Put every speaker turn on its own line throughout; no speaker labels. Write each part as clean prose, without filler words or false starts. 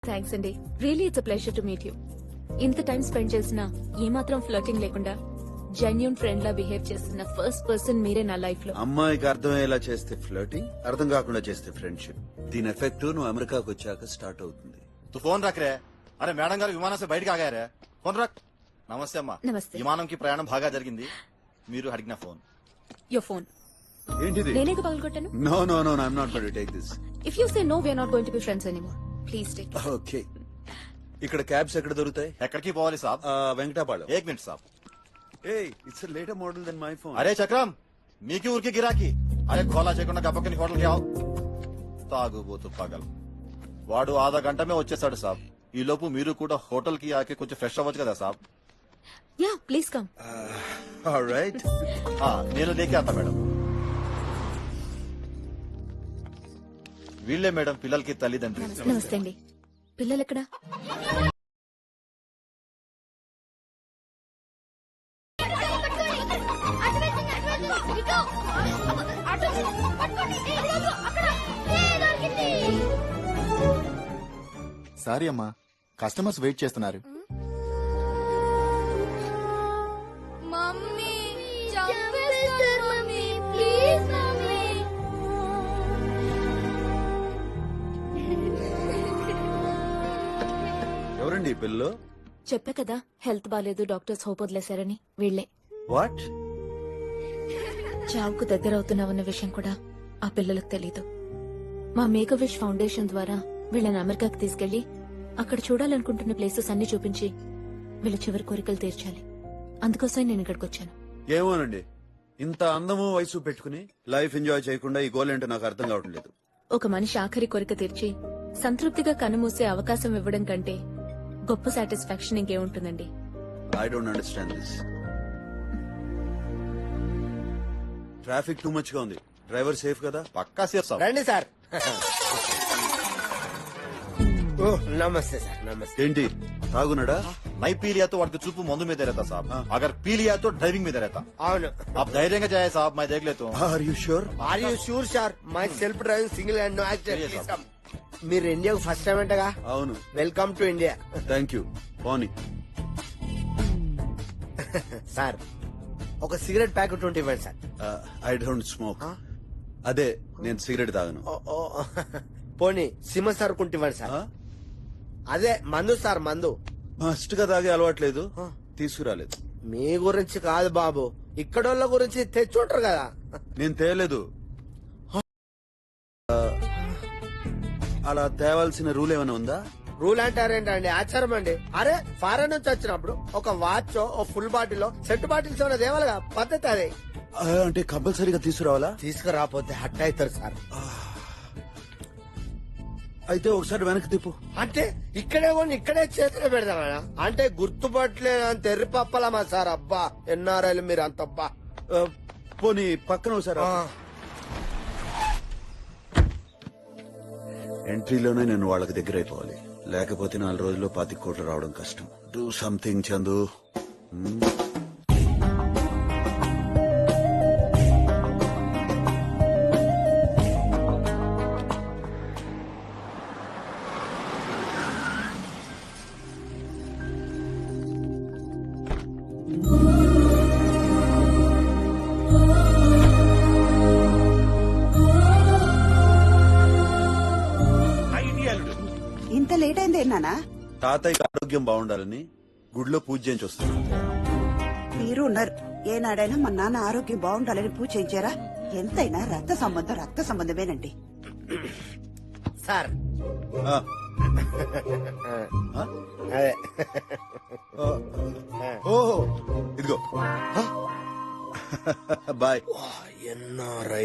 Thanks అండి. Really it's a pleasure to meet you. ఇంత time spend చేసినా ఏమాత్రం ఫ్లర్టింగ్ లేకుండా జెన్యూన్ ఫ్రెండ్ లా బిహేవ్ చేస్తున్న ఫస్ట్ పర్సన్ మీరే నా లైఫ్ లో.
అమ్మాయికి అర్థమయ్యేలా చేస్తే ఫ్లర్టింగ్, అర్థం కాకుండా చేస్తే ఫ్రెండ్షిప్. దీని ఎఫెక్ట్ నువ్వు అమెరికాకు వచ్చాక స్టార్ట్ అవుతుంది.
तू फोन रख रहे अरे మేడం గారు విమానం से బయటకు ఆగారే ఫోన్ రక్. నమస్తే అమ్మా.
నమస్తే.
విమానంకి ప్రయాణం బాగా జరిగింది. మీరు అడిగిన ఫోన్.
యువర్ ఫోన్
ఏంటిది?
నేనే పగలగొట్టాను.
No no no I'm not going to take this.
If you say no we're not going to be friends anymore. Please take.
Okay. ఇక్కడ క్యాబ్స్ ఎక్కడ దొరుకుతాయి?
ఎక్కడికి పోవాలి సాబ్?
వెంకటాపాళెం.
एक मिनट साहब.
Hey, it's a later model than my phone.
అరే చక్రం మీకి ఊరికి గిరాకి. అరే గోలా చేయకుండా గప్పకని హోటల్కి ఆవు. తాగుబోతు పగల్. వాడు ఆधा గంట మే వచ్చేసాడు సాబ్. ఈ లోపు మీరు కూడా హోటల్ కి ఆకే కొంచెం ఫ్రెష్ అవ్వచ్చు కదా సాబ్.
Yeah please come.
All right.
నేను లేకే ఆతా మేడం. వీళ్ళే మేడం పిల్లలకి తల్లిదండ్రి.
నమస్తే అండి. పిల్లలు ఎక్కడ?
సారీ అమ్మా, కస్టమర్స్ వెయిట్ చేస్తున్నారు.
మమ్మీ చంపేస్తారు మమ్మీ ప్లీజ్ మమ్మీ.
ఎవరండి ఈ పిల్లలు?
చెప్పా కదా హెల్త్ బాలేదు, డాక్టర్స్ హోప్ వదిలేశారని. వీళ్లే.
వాట్?
చావుకు దగ్గర అవుతున్నామన్న విషయం కూడా ఆ పిల్లలకు తెలీదు. మా మేక్ విష్ ఫౌండేషన్ ద్వారా వీళ్ళని అమెరికాకి తీసుకెళ్లి అక్కడ చూడాలనుకుంటున్న ప్లేసెస్ అన్ని చూపించి వీళ్ళ చివరి కోరికలు తీర్చాలి. అందుకోసం నేను ఇక్కడికి వచ్చాను.
ఏమోనండి, ఇంత అందము వయసు పెట్టుకుని లైఫ్ ఎంజాయ్ చేయకుండా ఈ గోల్ ఏంటో నాకు అర్థం కావటం లేదు.
ఒక మనిషి ఆఖరి కోరిక తీర్చి సంతృప్తిగా కన్నుమూసే అవకాశం ఇవ్వడం కంటే గొప్ప సాటిస్ఫాక్షన్ ఇంకేముంటుందండి.
I don't understand this. Traffic too much గా ఉంది. డ్రైవర్ సేఫ్ కదా?
పక్కా సేఫ్ సాబ్.
రండి సార్. ఓ నమస్తే సార్. నమస్తే.
ఏంటి తాగున్నాడా?
నై పీ लिया तो వాడికి చూపు మందు మీద रहता साहब. अगर पी लिया तो ड्राइविंग में रहता.
అవును.
आप धैर्य जाए साहब, मैं देख लेता हूँ.
Are you sure?
Are you sure sir? Myself driving single and no accident.
Yes, sir.
మీరు ఇండియాకు ఫస్ట్ టైం అంటగా?
అవును.
Welcome to India.
Thank you. పోనీ.
సార్ ఒక సిగరెట్ ప్యాకెట్ ఉంటే ఇవ్వండి సార్.
I don't smoke. అదే నేను సిగరెట్ తాగను.
ఓ, పోనీ సిమ సార్ కుంటే ఇవ్వండి సార్. అదే మందు సార్, మందు.
మస్ట్ గా తాగే అలవాట్లేదు, తీసుకురాలేదు.
మీ గురించి కాదు బాబు, ఇక్కడోళ్ళ గురించి తెచ్చుంటారు కదా.
నేను తేలేదు. అలా తేవాల్సిన రూల్ ఏమైనా ఉందా?
రూల్ అంటారేంటండి, ఆచారం అండి. అరే ఫారెన్ నుంచి వచ్చినప్పుడు ఒక వాచ్, ఓ ఫుల్ బాటిల్, సెట్ బాటిల్స్ ఏమైనా దేవాలిగా, పద్ధతి అదే.
అంటే కంపల్సరీగా తీసుకురావాలా?
తీసుకురాపోతే హట్ అవుతారు సార్.
అయితే ఒకసారి వెనక్కి తిప్పు.
అంటే ఇక్కడే కొని ఇక్కడే చేతిలో పెడతామా? అంటే గుర్తుపట్టలేదు అంత ఎర్రి పప్పలమా సార్? అబ్బా ఎన్ఆర్ఐలు మీరు అంతబ్బా.
పోనీ పక్కన ఒకసారి. ఎంట్రీలోనే నేను వాళ్ళకి దగ్గర అయిపోవాలి, లేకపోతే 4 రోజుల్లో 25 కోట్లు రావడం కష్టం. Do something Chandu.
ఇంత లేట్ అయింది నానా?
తాతయ్యకి ఆరోగ్యం బాగుండాలని గుడిలో పూజ చేయించి వస్తాను.
మీరు ఉన్నారు. ఏనాడైనా మా నాన్న ఆరోగ్యం బాగుండాలని పూజ చేయించారా? ఎంతైనా రక్త సంబంధమేనండి.
సార్
ఆ,
అదే
ఓహో ఇదిగో. బాయ్.
ఎన్ఆర్ఐ.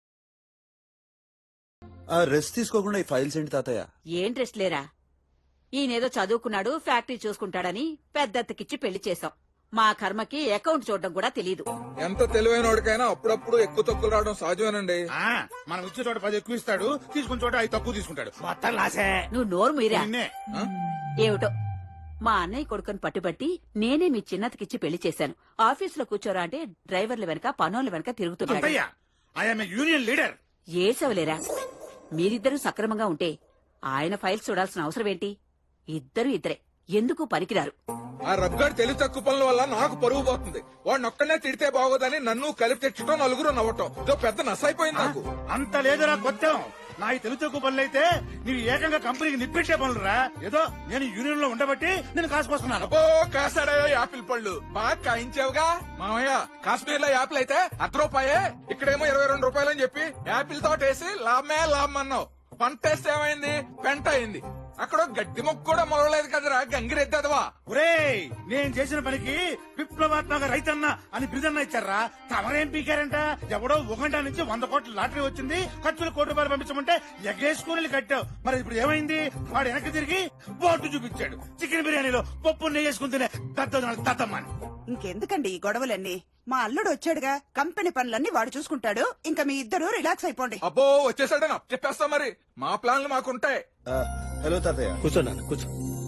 రెస్ట్ తీసుకోకుండా ఈ ఫైల్స్ ఏంటి తాతయ్య?
ఏం రెస్ట్ లేరా? ఈయనేదో చదువుకున్నాడు ఫ్యాక్టరీ చూసుకుంటాడని పెద్దత్తకిచ్చి పెళ్లి చేశాం. మా కర్మకి అకౌంట్ చూడడం కూడా తెలీదు.
ఎంత తెలివైన వాడికైనా అప్పుడప్పుడు ఎక్కువ తక్కువ రావడం సహజమేనండి.
మనం ఇచ్చే చోట 10 ఎక్కువ ఇస్తాడు, తీసుకున్న చోట 5 తక్కువ తీసుకుంటాడు. మొత్తం లాసే.
నువ్వు నోరు మీరా.
నిన్నే.
ఏమిటో మా అన్నయ్య కొడుకుని పట్టుబట్టి నేనే మీ చిన్నతకిచ్చి పెళ్లి చేశాను. ఆఫీసులో కూర్చోరా అంటే డ్రైవర్ల వెనక పనోళ్ళ వెనక తిరుగుతున్నాడు.
అత్తయ్య, ఐఎమ్ యూనియన్ లీడర్.
ఏసవలేరా, మీరిద్దరూ సక్రమంగా ఉంటే ఆయన ఫైల్స్ చూడాల్సిన అవసరం ఏంటి? ఇద్దరే ఎందుకు పనికిరారు.
ఆ రబ్గాడు తెలివి తక్కువ పనుల వల్ల నాకు పరువు పోతుంది. వాడిని ఒక్కనే తిడితే బాగోదని నన్ను కలిపి తెచ్చటం, నలుగురు నవ్వటం ఇదో పెద్ద నసైపోయింది నాకు.
అంత లేదురా కొత్తం. నా ఈ తెలుగు తక్కువ పనులు అయితే నీవు ఏకంగా కంపెనీకి నిప్పెట్టే పనులురా. ఏదో నేను యూనియన్ లో ఉండబట్టి నేను కాసుకొస్తున్నాను.
అబ్బో కాసాడయో యాపిల్ పళ్ళు బాగా కాయించావుగా మామయ్య. కాశ్మీర్ లో యాపిల్ అయితే ₹1 ఇక్కడేమో 22 రూపాయలని చెప్పి యాపిల్ తోటేసి లాభం అన్నావు. పంట వేస్తే ఏమైంది? పెంట అయింది. అక్కడ గడ్డి మొక్క కూడా మొలవలేదు కదరా గంగిరెద్దదవా.
ఒరేయ్, నేను చేసిన పనికి విప్లవాత్మక రైతన్న అని బిరుదన్న ఇచ్చారా? తమరేం పీకారంట? ఎవడో 1 నుంచి 100 కోట్ల లాటరీ వచ్చింది, ఖర్చులు ₹1 పంపించమంటే ఎగేసుకుని కట్టావు. మరి ఇప్పుడు ఏమైంది? వాడు వెనక్కి తిరిగి బోర్డు చూపించాడు. చికెన్ బిర్యానీలో పప్పు నెయ్యి వేసుకుని తినే దద్దమ్మని.
ఇంకెందుకండి ఈ గొడవలన్నీ? మా అల్లుడు వచ్చాడుగా, కంపెనీ పనులన్నీ వాడు చూసుకుంటాడు. ఇంకా మీ ఇద్దరు రిలాక్స్ అయిపోండి.
అబ్బో వచ్చేసాడని చెప్పేస్తా. మరి మా ప్లాన్లు మాకుంటాయి.
హలో తాతయ్య.
కూర్చోన్నాను, కూర్చో.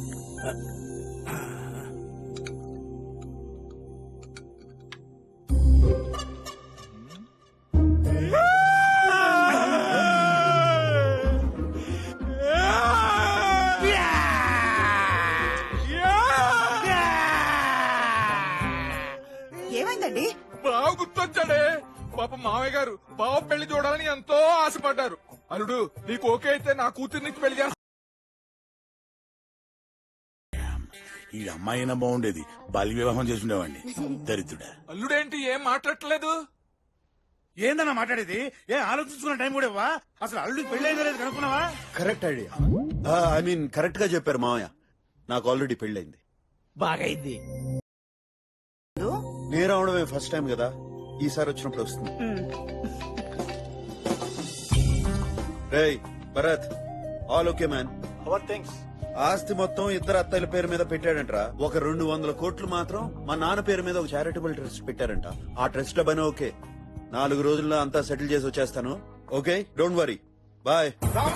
ఏమైందండి?
బాగా గుర్తొచ్చాడే. పాప మామయ్య గారు బావ పెళ్లి చూడాలని ఎంతో ఆశపడ్డారు. అల్లుడు నీకు ఓకే అయితే నా కూతుర్నికి పెళ్లి చేస్తా.
ఈ అమ్మాయినా బాగుండేది, బాల్య వివాహం చేసి ఉండేవాడిని. దరిద్రుడా.
అల్లుడేంటి ఏం మాట్లాడట్లేదు?
ఏందన్నా మాట్లాడేది? ఏ ఆలోచించుకున్న టైం కూడా ఇవ్వా? అసలు అల్లుడికి పెళ్లి అయిందో లేదు కనుక్కున్నావా?
Correct idea. I mean correct గా చెప్పారు మామయ్య. నాకు ఆల్రెడీ పెళ్ళైంది.
బాగైంది.
నేను రావడమే ఫస్ట్ టైం కదా, ఈసారి వచ్చినప్పుడు వస్తుంది. రేయ్ Bharat, all okay man.
Our things.
ఆస్తి మొత్తం ఇద్దరు అత్తయ్యల పేరు మీద పెట్టాడంట. ఒక 200 కోట్లు మాత్రం మా నాన్న పేరు మీద ఒక చారిటబుల్ ట్రస్ట్ పెట్టారంట. ఆ ట్రస్ట్ లో పని ఓకే. 4 రోజుల్లో అంతా సెటిల్ చేసి వచ్చేస్తాను. Okay, don't worry. బాయ్.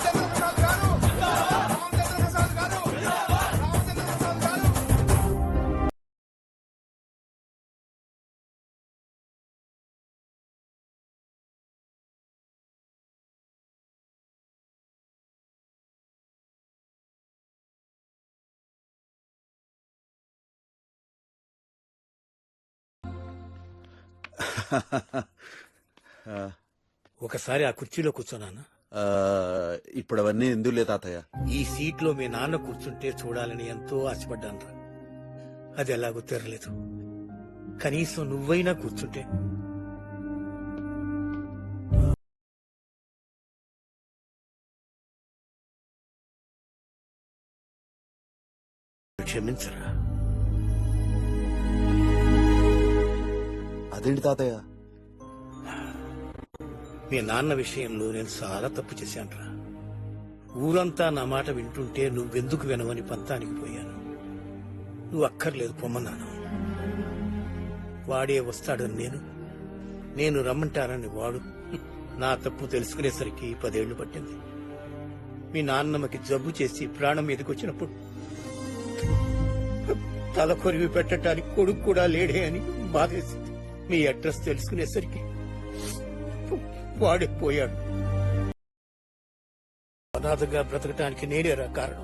ఒకసారి ఆ కుర్చీలో కూర్చోనానా?
ఇప్పుడు అవన్నీ ఎందులే తాతయ్య.
ఈ సీట్ లో మీ నాన్న కూర్చుంటే చూడాలని ఎంతో ఆశపడ్డాను. అది ఎలాగో తెరలేదు. కనీసం నువ్వైనా కూర్చుంటే. క్షమించరా.
అదేంటి తాతయ్య?
మీ నాన్న విషయంలో నేను చాలా తప్పు చేశానురా. ఊరంతా నా మాట వింటుంటే నువ్వెందుకు వినవని పంతానికి పోయాను. నువ్వు అక్కర్లేదు పొమ్మన్నాను. వాడే వస్తాడని నేను రమ్మంటానని వాడు. నా తప్పు తెలుసుకునేసరికి 10 ఏళ్లు పట్టింది. మీ నాన్నమ్మకి జబ్బు చేసి ప్రాణం మీదకొచ్చినప్పుడు తల కొరివి పెట్టడానికి కొడుకు కూడా లేడే అని బాధేసింది. మీ అడ్రస్ తెలుసుకునేసరికి వాడే పోయాడు. అనాథగా బ్రతకటానికి నేనేరా కారణం.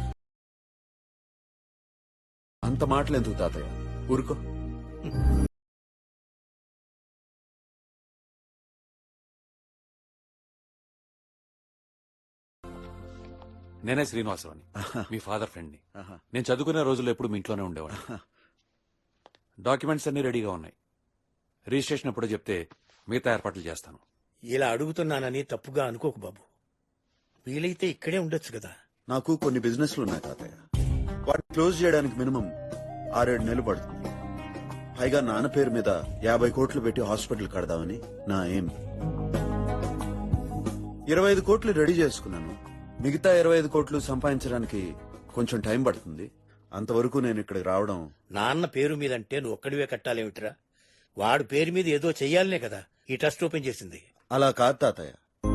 అంత మాటలెందుకు తాతయ్య, ఊరుకో.
నేనే శ్రీనివాసరావుని, మీ ఫాదర్ ఫ్రెండ్ ని. నేను చదువుకునే రోజుల్లో ఎప్పుడు మీ ఇంట్లోనే ఉండేవాడు. డాక్యుమెంట్స్ అన్ని రెడీగా ఉన్నాయి. రిజిస్ట్రేషన్ ఎప్పుడో చెప్తే మిగతా ఏర్పాట్లు చేస్తాను.
ఇలా అడుగుతున్నానని తప్పుగా అనుకోకు బాబు. వీలైతే ఇక్కడే ఉండొచ్చు కదా.
నాకు కొన్ని బిజినెస్లు ఉన్నాయి తాతయ్య. వాటిని క్లోజ్ చేయడానికి మినిమం 6-7 నెలలు పడుతుంది. పైగా నాన్న పేరు మీద 50 కోట్లు పెట్టి హాస్పిటల్ కడదామని నా ఎయిమ్. 25 కోట్లు రెడీ చేసుకున్నాను. మిగతా 25 కోట్లు సంపాదించడానికి కొంచెం టైం పడుతుంది. అంతవరకు నేను ఇక్కడికి రావడం
నాన్న పేరు మీద అంటే నువ్వు ఒక్కడివే కట్టాలేమిట్రా? వాడు పేరు మీద ఏదో చెయ్యాలనే కదా ఈ ట్రస్ట్ ఓపెన్ చేసింది.
అలా కాదు తాతయ్య.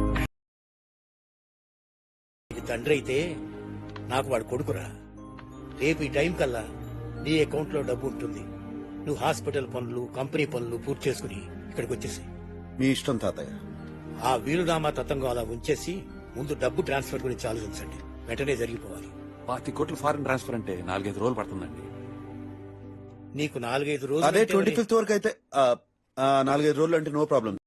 నీకు తండ్రి అయితే నాకు వాడు కొడుకురా. రేపు ఈ టైం కల్లా నీ అకౌంట్ లో డబ్బు ఉంటుంది. నువ్వు హాస్పిటల్ పనులు, కంపెనీ పనులు పూర్తి చేసుకుని ఇక్కడికి వచ్చేసి
మీ ఇష్టం తాతయ్య.
ఆ వీలునామా తతంగం అలా ఉంచేసి ముందు డబ్బు ట్రాన్స్ఫర్ గురించి ఆలోచించండి. వెంటనే జరిగిపోవాలి.
25 కోట్లు ఫారెన్ ట్రాన్స్ఫర్ అంటే 4-5 రోజులు పడుతుందండి.
నీకు 4-5
అదే
రోజులు
25th వరకు అయితే 4-5 రోజులు అంటే నో ప్రాబ్లం